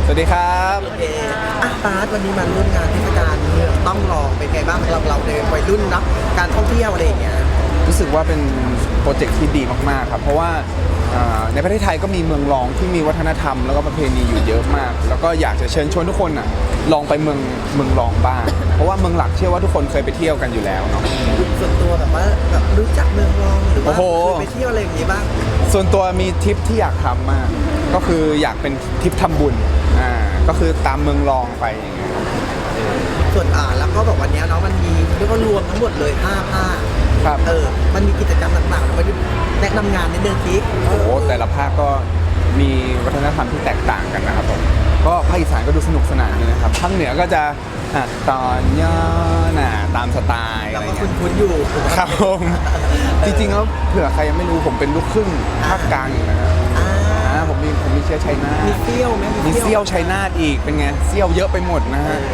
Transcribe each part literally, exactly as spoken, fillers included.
สวัสดีครับโอเคอ่ะบาสวันนี้มาร่วมงานเทศกาลเมืองต้องลองเป็นไงบ้างสำหรับเราในวัยรุ่นเนาะการท่องเที่ยวอะไรอย่างเงี้ยรู้สึกว่าเป็นโปรเจกต์ที่ดีมากๆครับเพราะว่าในประเทศไทยก็มีเมืองรองที่มีวัฒนธรรมแล้วก็ประเพณีอยู่เยอะมากแล้วก็อยากจะเชิญชวนทุกคนอ่ะลองไปเมืองเมืองรองบ้างเพราะว่าเมืองหลักเชื่อว่าทุกคนเคยไปเที่ยวกันอยู่แล้วเนาะส่วนตัวแบบว่าแบบรู้จักเมืองรองหรือว่าเคยไปเที่ยวอะไรอย่างงี้บ้างส่วนตัวมีทริปที่อยากทำมากก็คืออยากเป็นทริปทำบุญอ่าก็คือตามเมืองรองไปอย่างเงี้ยส่วนอ่าแล้วก็แบบวันนี้เนาะมันมีเรียกว่ารวมทั้งหมดเลยห้าภาคครับเออมันมีกิจกรรมต่างๆแล้วก็แนะนำงานในเดือนที่โอ้โหแต่ละภาคก็มีวัฒนธรรมที่แตกต่างกันนะครับผมก็ภาคอีสานก็ดูสนุกสนานเลยนะครับภาคเหนือก็จะตอนย่อหน่าตามสไตล์อะไรเงี้ยคุ้นๆอยู่ครับผมจริงๆแล้วเผื่อใครยังไม่รู้ผมเป็นลูกครึ่งภาคกลางนะครับผมมีผมมีเชื้อชัยนาทมีเซี่ยวไหมมีเซี่ยวชัยนาทอีกเป็นไงเซี่ยวเยอะไปหมดนะฮะ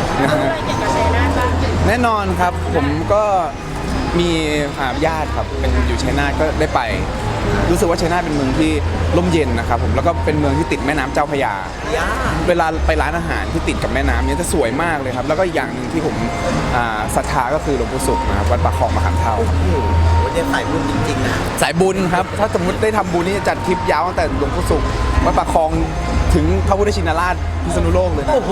แน่นอนครับผมก็มีญาติครับเป็นอยู่ชัยนาทก็ได้ไปรู้สึกว่าชัยนาทเป็นเมืองที่ร่มเย็นนะครับผมแล้วก็เป็นเมืองที่ติดแม่น้ำเจ้าพระยาเวลาไปร้านอาหารที่ติดกับแม่น้ำเนี่ยจะสวยมากเลยครับแล้วก็อย่างหนึ่งที่ผมศรัทธาก็คือหลวงปู่ศุกร์นะครับวัดปากคลองมะขามเท่าโอ้โหเนี่ยสายบุญจริงๆนะสายบุญครับถ้าสมมติได้ทำบุญนี่จะจัดทริปยาวตั้งแต่หลวงปู่ศุกร์วัดปากคลองถึงพระพุทธชินราชพิษณุโลกเลยโอ้โห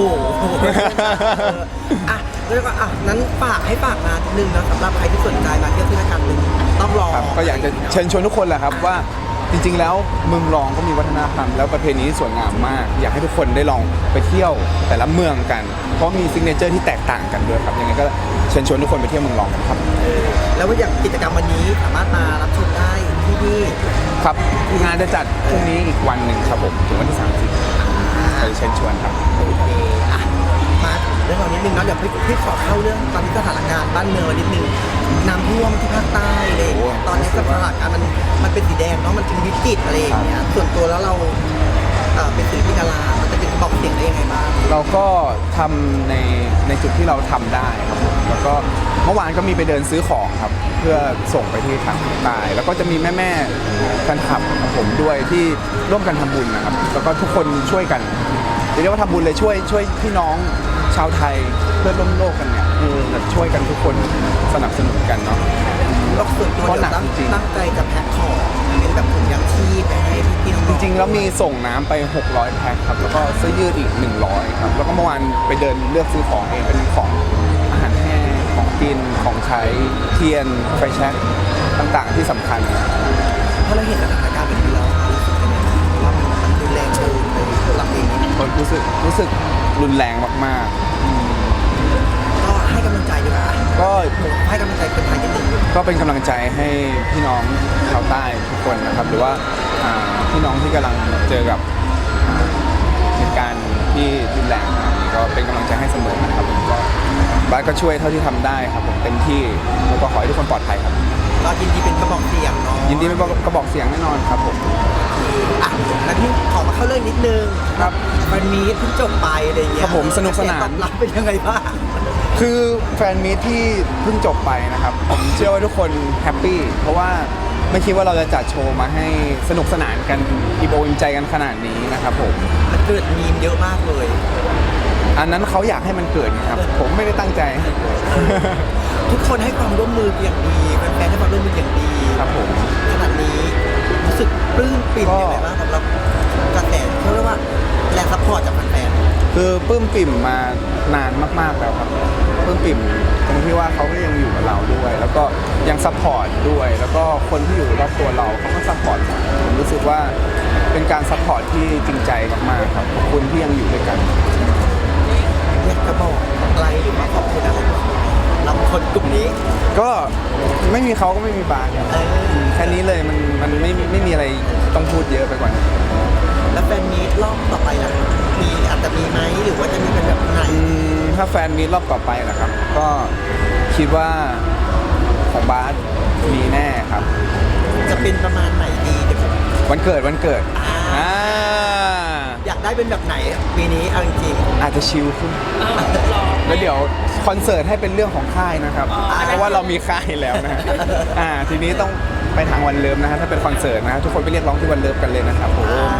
อ่ะแล้วก็อ่ะนั้นฝากให้ฝากงานนิดนึงนะสำหรับใครที่สนใจมาเที่ยวเทศกาลหนึ่งต้องรอก็อยากจะเชิญชวนทุกคนแหละครับว่าจริงๆแล้วเมืองรองก็มีวัฒนธรรมแล้วประเพณีที่สวยงามมากอยากให้ทุกคนได้ลองไปเที่ยวแต่ละเมืองกันเพราะมีซิกเนเจอร์ที่แตกต่างกันด้วยครับยังไงก็เชิญชวนทุกคนไปเที่ยวเมืองรองกันครับแล้วว่าอย่างกิจกรรมวันนี้สามารถมารับชมได้ที่นี่ครับงานจะจัดพรุ่งนี้อีกวันหนึ่งครับผมถึงวันที่สามสิบไปเชิญชวนครับโอเคอ่ะมาเรื่องเรานิดนึงเนาะเดี๋ยวพี่พี่ขอเข้าเรื่องตอนนี้สถานการณ์บ้านเมืองนิดนึงน้ำท่วมที่ภาคใต้เลยตอนนี้สถานการณ์มันมันเป็นสีแดงเนาะมันเป็นวิกฤตอะไรอย่างเงี้ยส่วนตัวแล้วเราเป็นศิลปินดารามันจะเป็นบอกเสียงได้ยังไงบ้างเราก็ทำในในจุดที่เราทำได้ครับแล้วก็เมื่อวานก็มีไปเดินซื้อของครับเพื่อส่งไปที่ทางใต้แล้วก็จะมีแม่แม่แฟนคลับของผมด้วยที่ร่วมกันทำบุญนะครับแล้วก็ทุกคนช่วยกันเรียกว่าทำบุญเลยช่วยช่วยพี่น้องชาวไทยเพื่อนร่วมโลกกันเนี่ยคือช่วยกันทุกคนสนับสนุนกันเนาะแล้วส่วนตัวเราตั้งตั้งใจจะแพ็คของเป็นแบบถุงยางชีพไปให้พี่น้องจริงๆแล้วมีส่งน้ำไปหกร้อยแพ็คครับแล้วก็เสื้อยืดอีกหนึ่งร้อยครับแล้วก็เมื่อวานไปเดินเลือกซื้อของเองเป็นของอาหารแห้งของกินของใช้เทียนไฟแช็กต่างๆที่สำคัญเพราะเราเห็นสถานการณ์แบบนี้แล้วว่ามันรุนแรงเกินไปหลักเองรู้สึกรู้สึกรุนแรงมากๆก็ให้กำลังใจดีกว่าก็ให้กำลังใจคนไทยนิดนึงก็เป็นกำลังใจให้พี่น้องชาวใต้ทุกคนนะครับหรือว่าพี่น้องที่กำลังเจอกับเหตุการณ์ที่รุนแรงก็เป็นกำลังใจให้เสมอนะครับก็บ้านก็ช่วยเท่าที่ทำได้ครับผมเต็มที่แล้วก็ขอให้ทุกคนปลอดภัยครับก็ยินดีเป็นกระบอกเสียงเนาะยินดีเป็นกระบอกเสียงแน่นอนครับผมอ่ะแล้วที่ขอมาเข้าเรื่องนิดนึงครับมันมีเพิ่งจบไปอะไรอย่างเงี้ยครับผมสนุกสนานตอบรับเป็นยังไงบ้างคือแฟนมีตที่เพิ่งจบไปนะครับผมเชื่อว่าทุกคนแฮปปี้เพราะว่าไม่คิดว่าเราจะจัดโชว์มาให้สนุกสนานกันอิ่มอกอิ่มใจกันขนาดนี้นะครับผมมันเกิดมีมเยอะมากเลยอันนั้นเขาอยากให้มันเกิดครับผมไม่ได้ตั้งใจทุกคนให้ความร่วมมืออย่างดีแฟนๆให้ความร่วมมืออย่างดีครับผมขนาดนี้รู้สึกปลื้มปิ่มยังไงบ้างสำหรับกระแสเขาเรียกว่าแรงซัพพอร์ตจากแฟนๆคือปลื้มปิ่มมานานมากๆแล้วครับปลื้มปิ่มตรงที่ว่าเขาก็ยังอยู่กับเราด้วยแล้วก็ยังซัพพอร์ตด้วยแล้วก็คนที่อยู่รอบตัวเราเขาก็ซัพพอร์ตผมรู้สึกว่าเป็นการซัพพอร์ตที่จริงใจมากๆครับขอบคุณที่ยังอยู่ด้วยกันอยากจะบอกอะไรหรือว่าขอบคุณอะไรเราคนกลุ่มนี้ก็ไม่มีเขาก็ไม่มีบาร์แค่นี้เลยมันมันไม่ไม่มีอะไรต้องพูดเยอะไปกว่านี้แล้วแฟนมีรอบต่อไปล่ะมีอาจจะมีไหมหรือว่าจะมีเป็นแบบไหนถ้าแฟนมีรอบต่อไปล่ะครับก็คิดว่าของบาร์มีแน่ครับจะเป็นประมาณไหนดีเดี๋ยววันเกิดวันเกิดอ่าอยากได้เป็นแบบไหนปีนี้เอาจริงๆอาจจะชิลขึ้นแล้วเดี๋ยวคอนเสิร์ตให้เป็นเรื่องของค่ายนะครับเพราะว่าเรามีค่ายแล้วนะอ่าทีนี้ต้องไปทางวันเลิฟนะฮะถ้าเป็นคอนเสิร์ตนะทุกคนไปเรียกร้องที่วันเลิฟกันเลยนะครับโอ้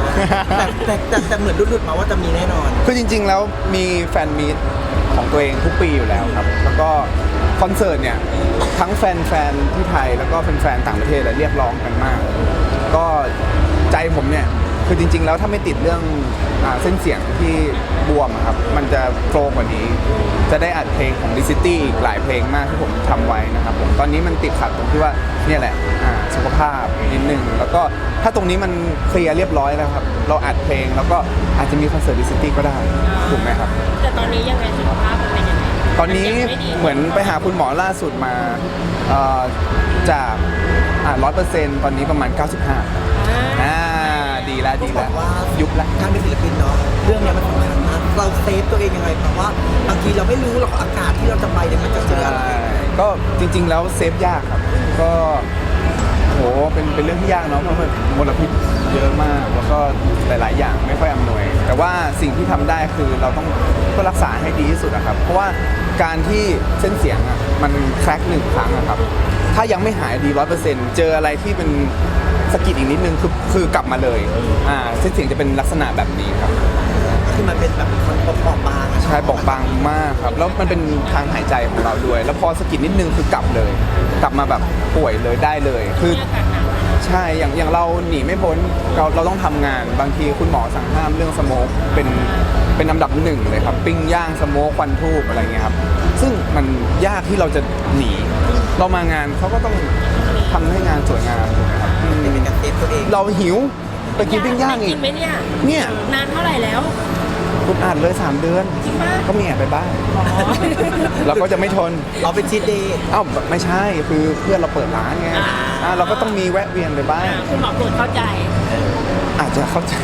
แต่แต่แต่แต่เหมือนรุดๆมาว่าจะมีแน่นอนคือจริง ๆ แล้วมีแฟนมีตของตัวเองทุกปีอยู่แล้วครับ แล้วก็คอนเสิร์ตเนี่ยทั้งแฟนๆที่ไทยแล้วก็แฟนๆต่างประเทศเรียกร้องกันมาก ก็ใจผมเนี่ยคือจริง ๆ แล้วถ้าไม่ติดเรื่องอาเส้นเสียงที่บวมอะครับมันจะโฟล์กว่านี้ จะได้อัดเพลงของดิซิตี้อีกหลายเพลงมากที่ผมทำไว้นะครับผมตอนนี้มันติดขัดตรงที่ว่าเนี่ยแหละอ่าสุขภาพนิดนึงแล้วก็ถ้าตรงนี้มันเคลียร์เรียบร้อยแล้วครับเราอัดเพลงแล้วก็อาจจะมีคอนเสิร์ตดิซิตี้ก็ได้ถูกไหมครับแต่ตอนนี้ยังไงสุขภาพมันเป็นยังไงตอนนี้ยังไม่ดีเหมือนไปหาคุณหมอล่าสุดมาเอ่อจากอ่าร้อยเปอร์เซ็นต์ตอนนี้ประมาณ เก้าสิบห้าอ่าอ่าดีแล้วดีบแล้อวกว่ายุบละการเป็นศิลปินเนาะเรื่องเนี้ยมันสำคัญมากเราเซฟตัวเองยังไงเพราะว่าบางทีเราไม่รู้หรอกอากาศที่เราจะไปเนี่ยมันจะเจออะไรก็จริง ๆ แล้วเซฟยากครับ ก็โหเป็นเป็นเรื่องที่ยากเนาะเพราะมันมลพิษเยอะมากแล้วก็หลาย ๆ อย่างไม่ค่อยอำนวย แต่ว่าสิ่งที่ทำได้คือเราต้องก็รักษาให้ดีที่สุดนะครับ เพราะว่าการที่เส้นเสียงอ่ะมันแคร็กหนึ่งครั้งอะครับ ถ้ายังไม่หายดีร้อยเปอร์เซ็นต์เจออะไรที่เป็นสะกิดอีกนิดนึงคือคือกลับมาเลยอ่าเส้นเสียงจะเป็นลักษณะแบบนี้ครับคือมันเป็นแบบมันเปราะบางอะใช่บอกบางมากครับ แล้วมันเป็นทางหายใจของเราด้วย แล้วพอสะกิดนิดนึงคือกลับเลย กลับมาแบบป่วยเลยได้เลย คืออากาศหนาวใช่ อย่างอย่างเราหนีไม่พ้นเราเราต้องทำงาน บางทีคุณหมอสั่งห้ามเรื่องสโมกเป็นเป็นอันดับหนึ่งเลยครับ ปิ้งย่างสโมกควันทูบอะไรเงี้ยครับ ซึ่งมันยากที่เราจะหนี เรามางานเขาก็ต้องทำให้งานสวยงามถูกไหมครับอืมเป็นการเซฟตัวเองเราหิวไปกินปิ้งย่างได้อีกิกนไหมเนี่ยเนี่ยนานเท่าไหร่แล้วคุณอ่านเลยสามเดือนจริงปะก็มีแอบไปบ้างอ๋อเราก็จะไม่ทนเราเป็นชีตเดย์เอ้าไม่ใช่คือเพื่อนเราเปิดร้านไงอ่าเราก็ต้องมีแวะเวียนไปบ้างอ่าคุณหมอตรวจเข้าใจอาจจะเข้าใจ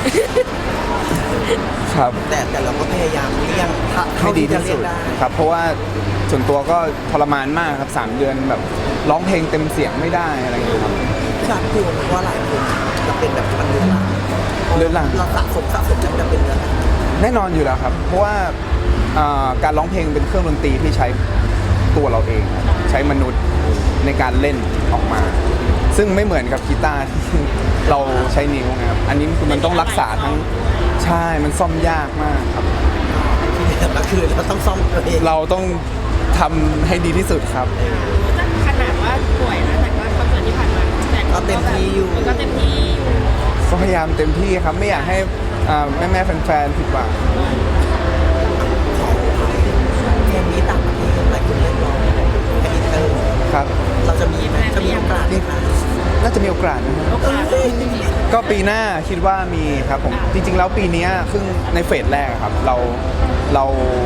ครับแต่แต่เราก็พยายามเลี่ยงถ้าให้เท่าดีที่จะที่เลี่สุยงดได้ครับ เพราะว่าส่วนตัวก็ทรมานมากครับสามเดือนแบบร้องเพลงเต็มเสียงไม่ได้อะไรอย่างเงี้ยครับพี่ชาพี่กลัวเพราะว่าหลายคนจะเป็นแบบมันเรื้อรังเรื้อรังเราสะสมสะสมแล้วมันจะเป็นเรื้อรังแน่นอนอยู่แล้วครับ เพราะว่าอ่าการร้องเพลงเป็นเครื่องดนตรีที่ใช้ตัวเราเองครับใช้มนุษย์ในการเล่นออกมา ซึ่งไม่เหมือนกับกีตาร์ที่เราใช้นิ้วนะครับอันนี้คือมันต้องรักษาทั้งใช่มันซ่อมยากมากครับที่เหลือก็คือเราต้องซ่อมตัวเองเราต้องทำให้ดีที่สุดครับขนาดว่าป่วยนะแต่ก็คอนเสิร์ตที่ผ่านมาแต่ก็เต็มที่อยู่มันก็เต็มที่อยู่ก็พยายามเต็มที่ครับไม่อยากให้แม่าแม่ๆแฟนๆผิดหวังเพลงนี้ต่างประเทศหลายคนเรียกร้องเป็นอินเตอร์ครับเราจะมีไหมจะมีโอกาสไหมคะน่าจะมีโอกาสนะครับโอกาสจริงก็ปีหน้าคิดว่ามีครับผมจริง ๆ แล้วปีเนี้ยครึ่งในเฟสแรกอะครับ เราเรา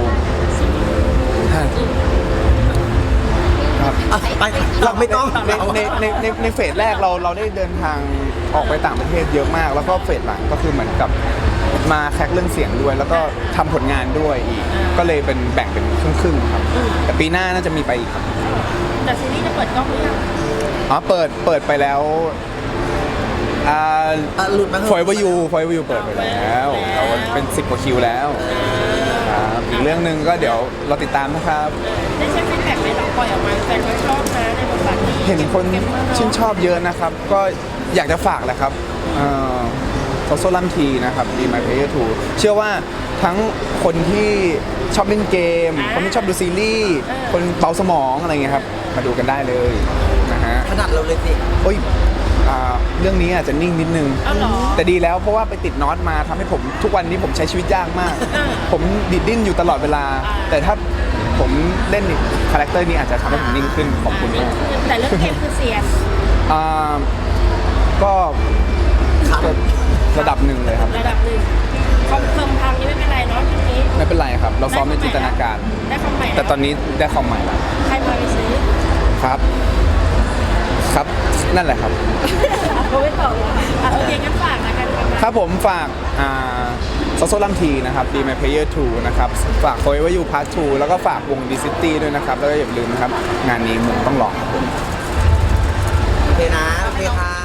ครับอ่ะไปเราไม่ต้องในในในในในเฟสแรกเราเราได้เดินทางออกไปต่างประเทศเยอะมาก แล้วก็เฟสหลังก็คือเหมือนกับมาแคกเรื่องเสียงด้วย แล้วก็ทำผลงานด้วยอีก ก็เลยเป็นแบ่งเป็นครึ่งๆครับ แต่ปีหน้าน่าจะมีไปอีกครับๆแต่ซีรีส์จะเปิดกล้องหรือยังอ๋อเปิดเปิดไปแล้วอ่าอ่ะหลุดมาเถอะฟอยวายูฟอยวายูเปิดไปแล้วเราเป็นสิบกว่าคิวแล้วครับอีกเรื่องหนึ่งก็เดี๋ยวเราติดตามนะครับได้ใช้ฟีดแบ็กไหมหลังปล่อยออกมาแฟนก็ชอบนะในบทบาทนี้เห็นคนเก็บมากชื่นชอบเยอะนะครับ ก็อยากจะฝากแหละครับโซโซลัมทีนะครับ Be My Player ทู เชื่อว่าทั้งคนที่ชอบเล่นเกม คนที่ชอบดูซีรีส์ คนเบาสมองอะไรเงี้ยครับ มาดูกันได้เลยนะฮะขนาดเราเลยสิโอ้ยอ่าเรื่องนี้อาจจะนิ่งนิดนึงเอาเหรอแต่ดีแล้วเพราะว่าไปติดน็อตมาทำให้ผมทุกวันนี้ผมใช้ชีวิตยากมากอ่าผมดิดดิ้นอยู่ตลอดเวลาอ่าแต่ถ้าผมเล่นคาแรคเตอร์นี้อาจจะทำให้ผมนิ่งขึ้นขอบคุณมากแต่เรื่องเกมคือเสียงอ่าก็ก็ระดับหนึ่งเลยครับระดับหนึ่งคอมเพิ่มทางนี้ไม่เป็นไรเนาะทีนี้ไม่เป็นไรครับ เราซ้อมในจินตนาการได้คำใหม่แต่ตอนนี้ได้ความใหม่แล้วใครพาไปซื้อครับ ครับนั่นแหละครับเขาไม่ตอบอ่ะโอเคงั้นฝากนะกันครับครับผมฝากโซโซลัมทีนะครับ Be My Player ทู นะครับ ฝาก Forever You Part ทู แล้วก็ฝากวง Dicity ด้วยนะครับ แล้วก็อย่าลืมนะครับ งานนี้มึงต้องลองโอเคนะ โอเคค่ะ